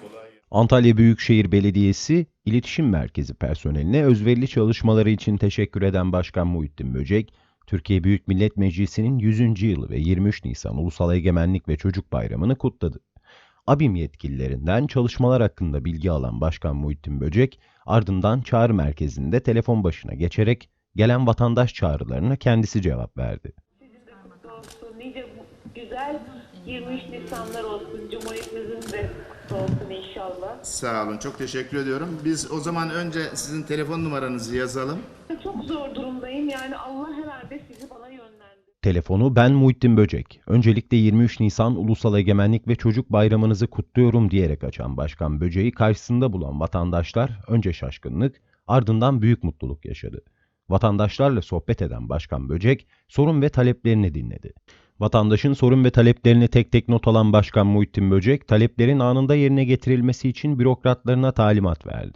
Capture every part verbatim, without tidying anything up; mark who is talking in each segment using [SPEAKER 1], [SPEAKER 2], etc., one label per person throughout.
[SPEAKER 1] Antalya Büyükşehir Belediyesi İletişim Merkezi personeline özverili çalışmaları için teşekkür eden Başkan Muhittin Böcek, Türkiye Büyük Millet Meclisi'nin yüzüncü yılı ve yirmi üç Nisan Ulusal Egemenlik ve Çocuk Bayramı'nı kutladı. ABİM yetkililerinden çalışmalar hakkında bilgi alan Başkan Muhittin Böcek, ardından çağrı merkezinde telefon başına geçerek gelen vatandaş çağrılarına kendisi cevap verdi.
[SPEAKER 2] Sizin de kutlu olsun. Nice güzel yirmi üç Nisanlar olsun. Cumhuriyetimizin de kutlu olsun inşallah.
[SPEAKER 3] Sağ olun, çok teşekkür ediyorum. Biz o zaman önce sizin telefon numaranızı yazalım.
[SPEAKER 2] Çok zor durumdayım. Yani Allah herhalde sizi bana yönlendirdi.
[SPEAKER 1] Telefonu ben Muhittin Böcek. Öncelikle yirmi üç Nisan Ulusal Egemenlik ve Çocuk Bayramınızı kutluyorum diyerek açan Başkan Böcek'i karşısında bulan vatandaşlar önce şaşkınlık, ardından büyük mutluluk yaşadı. Vatandaşlarla sohbet eden Başkan Böcek, sorun ve taleplerini dinledi. Vatandaşın sorun ve taleplerini tek tek not alan Başkan Muhittin Böcek, taleplerin anında yerine getirilmesi için bürokratlarına talimat verdi.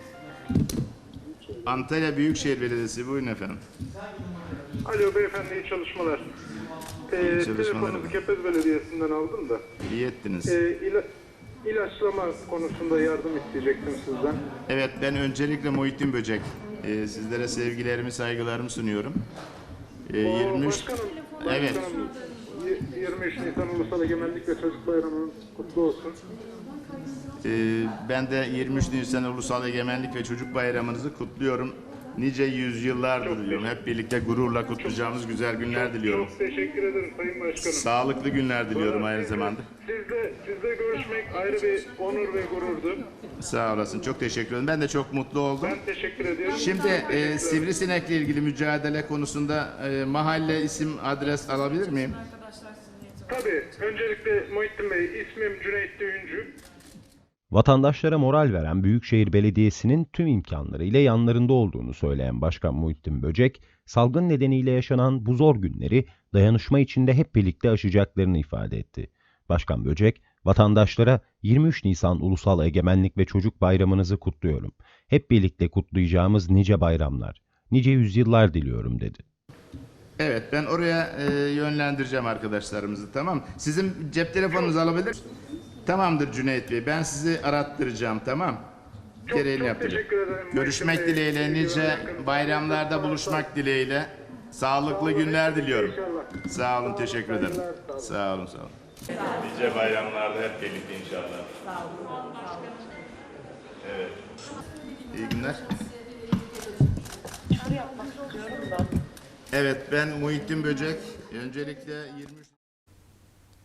[SPEAKER 3] Antalya Büyükşehir Belediyesi, buyurun efendim.
[SPEAKER 4] Alo beyefendi, iyi çalışmalar. Ee,
[SPEAKER 3] çalışmalar.
[SPEAKER 4] Telefonunuzu Kepez Belediyesi'nden aldım da.
[SPEAKER 3] İyi ettiniz.
[SPEAKER 4] Ee, ila, ilaçlama konusunda yardım isteyecektim sizden.
[SPEAKER 3] Evet, ben öncelikle Muhittin Böcek. Ee, sizlere sevgilerimi, saygılarımı sunuyorum. Ee, yirmi üç
[SPEAKER 4] Başkanım,
[SPEAKER 3] Evet.
[SPEAKER 4] başkanım, y- yirmi üç Nisan Ulusal Egemenlik ve Çocuk Bayramı'nız kutlu olsun.
[SPEAKER 3] Ee, ben de yirmi üç Nisan Ulusal Egemenlik ve Çocuk Bayramınızı kutluyorum. Nice yüzyıllar diliyorum. Hep birlikte gururla kutlayacağımız güzel günler diliyorum.
[SPEAKER 4] Çok teşekkür ederim Sayın Başkanım.
[SPEAKER 3] Sağlıklı günler diliyorum aynı zamanda.
[SPEAKER 4] Sizle, sizle görüşmek ayrı bir onur ve gururdu.
[SPEAKER 3] Sağ olasın. Çok teşekkür ederim. Ben de çok mutlu oldum.
[SPEAKER 4] Ben teşekkür ediyorum.
[SPEAKER 3] Şimdi e, sivrisinekle ilgili mücadele konusunda e, mahalle, isim, adres alabilir miyim?
[SPEAKER 4] Tabii, öncelikle Muhittin Bey, ismim Cüneyt Düğüncü.
[SPEAKER 1] Vatandaşlara moral veren Büyükşehir Belediyesi'nin tüm imkanlarıyla yanlarında olduğunu söyleyen Başkan Muhittin Böcek, salgın nedeniyle yaşanan bu zor günleri dayanışma içinde hep birlikte aşacaklarını ifade etti. Başkan Böcek, vatandaşlara yirmi üç Nisan Ulusal Egemenlik ve Çocuk Bayramınızı kutluyorum. Hep birlikte kutlayacağımız nice bayramlar, nice yüzyıllar diliyorum dedi.
[SPEAKER 3] Evet, ben oraya e, yönlendireceğim arkadaşlarımızı, tamam. Sizin cep telefonunuzu alabilir? Tamamdır Cüneyt Bey, ben sizi arattıracağım, tamam.
[SPEAKER 4] Çok,
[SPEAKER 3] Gereğini
[SPEAKER 4] çok
[SPEAKER 3] yaptıracağım.
[SPEAKER 4] teşekkür ederim.
[SPEAKER 3] Görüşmek
[SPEAKER 4] Muhittin Bey.
[SPEAKER 3] dileğiyle, nice bayramlarda buluşmak dileğiyle. Sağlıklı günler diliyorum.
[SPEAKER 4] İnşallah.
[SPEAKER 3] Sağ olun, teşekkür ederim.
[SPEAKER 4] Sağ olun.
[SPEAKER 3] Sağ olun, sağ olun.
[SPEAKER 5] Nice bayramlarda hep birlikte inşallah. Evet.
[SPEAKER 3] İyi günler.
[SPEAKER 2] Çağrı yapmak istiyorum da.
[SPEAKER 3] Evet, ben Muhittin Böcek. Öncelikle yirmi üç